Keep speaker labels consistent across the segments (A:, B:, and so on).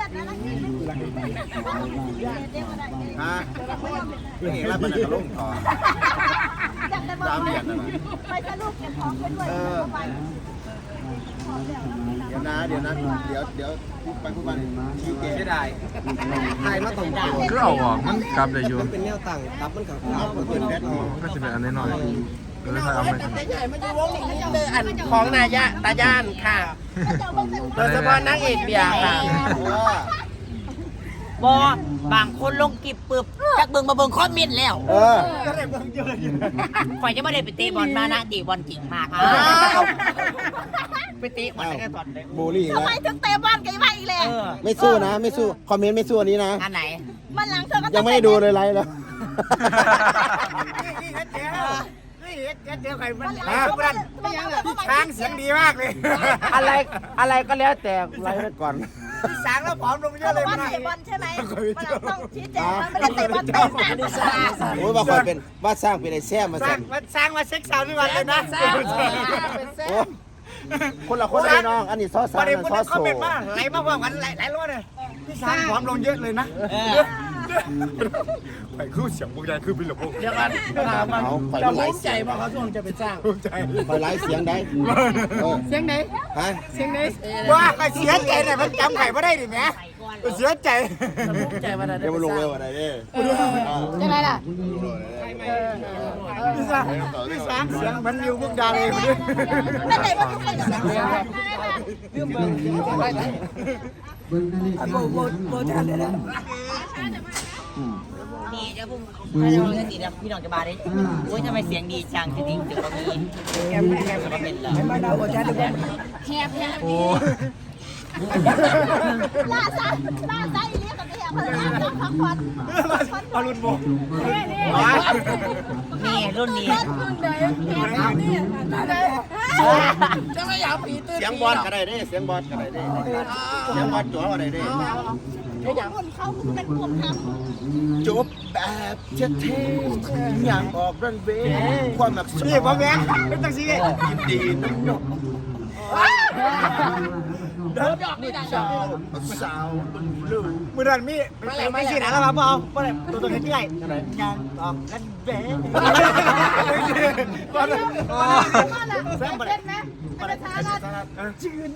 A: ฮะเรื่องอะไรมันจะลงคอตามเดือนนะไปสรุปเก็บของไปด้วยเดี๋ยวไปพูดมาชี้แจงไม่ได้ไทยมาตรง
B: ก็เอาออกมันกลับได้อยู่
A: เป็นแนวต่างกลับมันกับ
B: ก็จะเป็นอันน้อยใครเอาไป
C: อันของนายะตาย่านค่ะโดยเฉพาะนางเอกเบียร์ค่ะ
D: บางคนลงกิบปึบจากเบิ่งมาเบิ่งคอมเมนต์แล้ว
A: ก็ได้เบิ่งเยอะ
D: ข่อยจะไม่ได้ไปเตะบอลมานะตีบอลจริงมากไปเตะบอลแค่ตอนไหน
A: บูลลี่ทำไม
E: ถึงเตะบอลกันมาอีกเลย
A: ไม่สู้นะไม่สู้คอมเมนต์ไม่สู้อันนี้นะ
D: อันไหน
E: มันหลังเธอก็
A: ยังไม่ได้ดูเลยไลฟ์แล้ว
C: เดี๋ยวใครมันช้างเสียงดีมากเลยอะไรก็แล้วแต่ไล่ไปก่อนสางแล้วผอมลงเยอะเลย
E: มันเตะบอลใช่ไหมมันต้องชี้แจงมันไม่ได้เตะบอลเตะ
A: โอ้ยว่าคอยเป็นว่าสร้างเป็นไอ้แซ่มาสั่น
C: สร้างมาเซ็กซ์สาวนี่วันเลยนะ
A: คนละคนเลยน้องอันนี้ซอสซาร์ซอสโซ่
C: ไหลมากกว่ากันไหลรอดเลยพี่สางผอมลงเยอะเลยนะไปคู่เสียงพวกใหญ่คือพี่หลวงเดี๋ยวกันจะภูมิใจมาเขาช่วงจะเป็นสร้างภูมิใจ
A: ไปไลฟ์เสียงได้
C: เสียงไหน
A: ฮะ
C: เสียงไหนว่าไปเสียใจเนี่ยมันจำไข่ไม่ได้ดิแม่เสียใจภูมิใจมาได้
A: เดี๋ยวมาลงเลยวันไหนเนี่ย
E: ยังไงล่ะ
C: พี่สางเสียงมันอยู่พวกดาวเอง
E: ไม่เตะบอลทุกคน
D: นี่จะพุ่งถ้าจะลองสีนะพี่น้องจะมาได้โอ้ยทำไมเสียงดีจังจริงๆเดี๋ยวก็มีแคบเป็นเหรอ
B: โอ้
E: ล่าซาอีเลี้ยกับเลี้ยพักผ่อน
C: เอารุ่นโบ
D: นี่รุ่นนี้
C: จะไม่อยากผีตื่น
A: เสียงบอลก็ได้เด้เสียงบอลก็ได้เด้เสียงบอลจ๋อก็ได้เด้
E: คนเขาเป็นพวกท
A: ำจบแบบเท่ๆอย่างออกรันเวย์ความแบบ
C: นี่พ่อแม่เป็นตังซี
A: ยินดีน้ำหนกสาว
C: มือดันมีเป็นไม่ใช่นะแล้วครับพ่อพ่อเลยตัวนี้ที่ไหนยังออกรันเวย์
E: แซ่บเล่นไหมมันช้า
C: จืน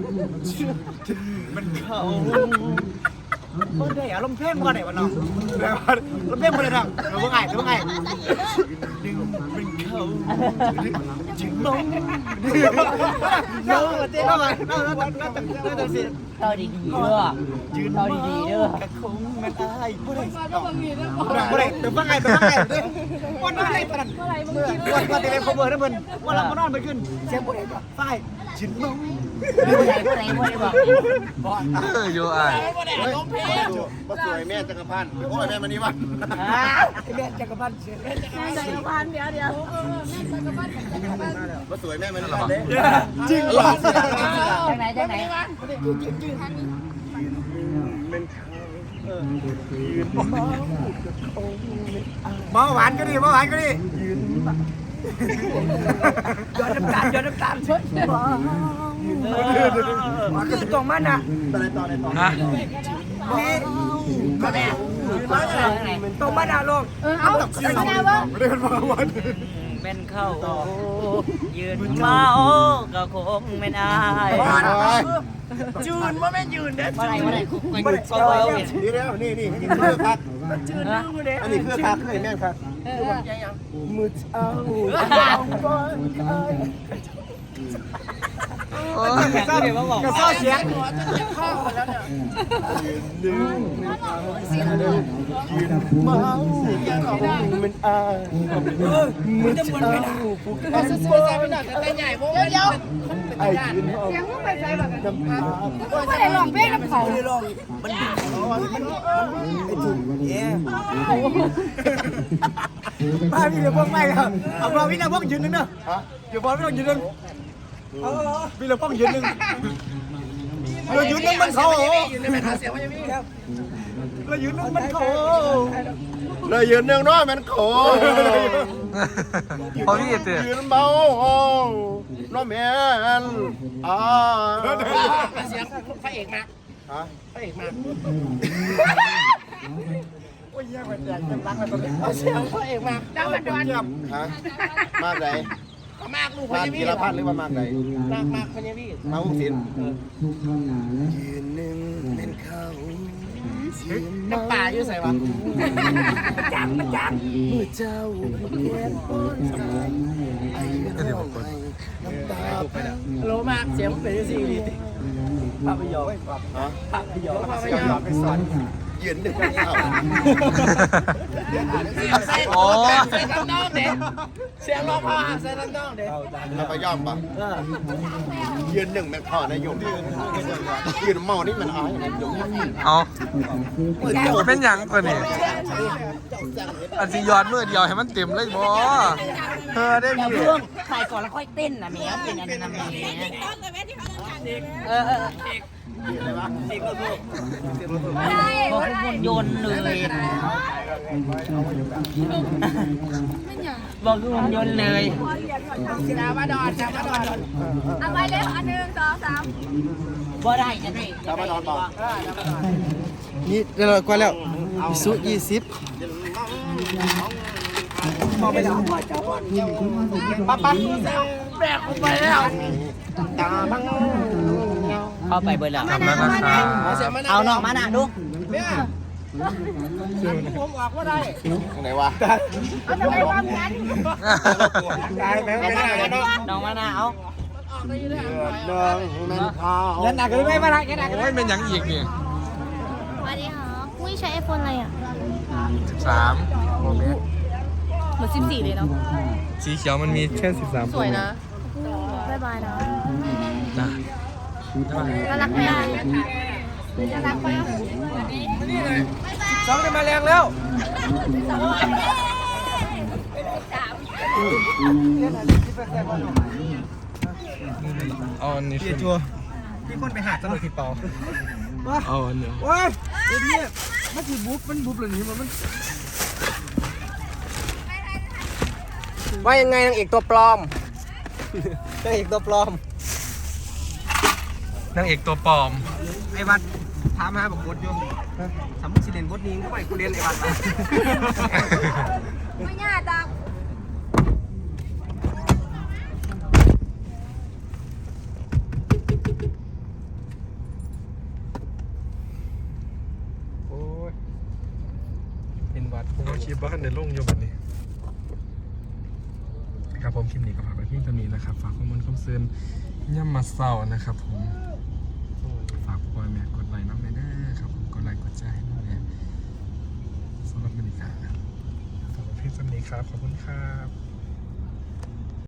C: มันเขาคนได้อารมณ์เพลงมาไหนวะน้องอารมณ์เพลงมาเลยน้องเราเพิ่งไงดึงเป็นเขาจึงมองเนาะเต้นเข้ามาเนาะ
D: ต่อดีๆเด้อยืนต่อดีๆเด้อกระคง
C: มันอายผู้ใดผู้ใดตึงฟังไงวันนั้นเลยตอนนั้นวันที่เล่นคอมเบอร์นั่นเพิ่นวันเรามานอนไปขึ้นเสียงผู้ใดก็ฝ่ายจึงมอง
D: ผู้ใดบอก
B: อยู่อ่ะ
A: มาสวยแม่จักรพันธ์โอ้ยแม่มณีวัน
C: แม่จักรพันธ์
E: แม่จักรพันธ์เดี๋ยวแม่จักรพันธ์
A: มาสวยแม่มณีวันเด้
C: จริงเหรอ
D: จากไหน
C: มาหวานก็ดีย้อนน้ำตาลคือตรงมันอ่ะ
B: ฮะ
C: นี่ก็แม่ตรงมันอ่ะลูก
E: เอาอะไรวะ
C: ไม่ได้เป็นมาวัน
D: เป็นเข้ายืนเมาก็คงไม่ได้
C: ยืนว่าแม่ยืนเด้
D: อะไร
C: ไม่ได้
D: ก็เอาเห็น
A: นี่แล้วนี่คือพัก
C: ยืนดูเด้
A: อันนี้คือพักเลยแม่ครับมือเอา
C: กระซ้อเสียง
A: เมามันอายมือเอา
C: สวยๆไปหน่อยแต่ใหญ่โว้ย
A: ไอ้ยืนเสียง
E: ไปใส่แบบน้ำตาไม่ได้ลองเพลงน้ำเขาเลยลอง
C: มัน
A: ไอ้จุ่ม
C: มาพี่เดี๋ยวพวกไม่ครับเอาพอพี่เดี๋ยวพวกยืนนึงเนอะเดี๋ยวพอพี่ต้องยืนนึงพี่เดี๋ยวพวกยืนนึงเรายืนนึงมันเขาเรายืนนึงมันเขา
A: เลยยืนนึงน้อยมันโข
B: พอพี่เตี้ย
A: ยืนเบาน้องแม่น
C: เสียงพระเอกมา
A: ฮะ
C: พระเอกมาโอ้ยแย่กว่าแจกเงินรักเลยตอนนี้เอาเสียงพระเอกมาดาวมันดอน
A: ฮะมากไหน
C: มากลูกพ
A: มาก
C: ญาวี
A: กีรพัฒน์หรือว่ามากไหน
C: มากพญาวี
A: มาอุ้งศิลป์
C: ยืนหนึ่งเป็นเขาน้ำป่าอยู่ใส่วะจังมือเจ้าเขียนป้อนสายไอ้ร้องไห้น้ำตาโลมากเสียงเป็นยังไงภาพยนตร์
A: ฮะ
C: ภาพยนตร์ไปสอน
A: ยืนหนึ่งเป็นเขา
B: โอ้
C: เสียงน้องเด็กเสียงร้องพ่อเสียงน้องเด็ก
A: แล้วไปย่อมปะยืนหนึ่งแม่พ่อนะโยมยืนเมานี่มันอ้ายนะโยม
B: เอาเป็นหยังกว่านี่อันสิยอดมือเดียวให้มันเต็มเลยบ่เธอได้
D: เดี๋ยว
B: พี่
D: เรื่องใครก่อนแล้วค่อยเต้นนะเมียเป็นอันนั้นนะเมียเออบอกคุณโยนเลยบอกคุณโยนเลยดาวดอน
E: เอาไปเร็วอันหนึ่งสองสาม
D: บ่ได้จะได้
A: ตามมานอนบอก
C: นี่เดี๋ยวก่อนแล้วสุ20พอไปแล้วปั๊บแบกออกไปแล้วตาบัง
D: เข้าไปเบอร์แล้ว
B: ทำแล้วนะครับ
D: เอาน้องมาหน้าดู
C: เนี่ยผมออกว่าได้
A: ไหนวะ
E: เอาทำไมวางงั้น
C: ตายไปไม่ได้แล้วเนาะ
D: น้องมาหน้าเอา
A: น้องแม่พ่อ
C: ยันหนักกันไม่มาละยันหนักกัน
B: โอ้ยเป็นหยังอีกนี่
E: สวัสดีค่ะอุ้ยใช้ไอโฟนอะไรอ่ะ
B: 13โมเมนต์
E: เหมือน14เลยเนาะ
B: สีเขียวมันมีแค่13
E: สวยนะบ๊ายบายนะ
B: จ้ะ
E: น่ารักไหมน่ารักไหม
C: สองได้มาแรงแล้ว
B: เอาอันนี้
C: เกียจัวพี่คนไปหาตลกผิดเปล่า
B: เอาอันนี้
C: ว้ายเดี๋ยวนี้มันคือบุ๊บมันบุ๊บเลยนี่มันว่ายังไงนางเอกตัวปลอมนางเอกตัวปลอม
B: นางเอกตัวปลอม
C: ไอ้วัดถามหาบอกบทอยู่สมมุติสิเรียนบทนี้ก็ไปกูเรียนไอ้วัดมา
E: ไม่ยากจัง
B: โอ้ยเป็นวัดผมก็คิดว่าในโลกโยบันนี้ครับผมคลิปนี้ก็ฝากไว้เพียงเท่านี้นะครับฝากข้อมูลข้อมูลย่ำมาเศร้านะครับผมฝากพ่อแม่กดไลค์น้องเลยนะครับผมกดไลค์กดแชร์ให้น้องเลยสำหรับบรรยากาศฝากไว้เพียงเท่านี้ครับขอบคุณครับ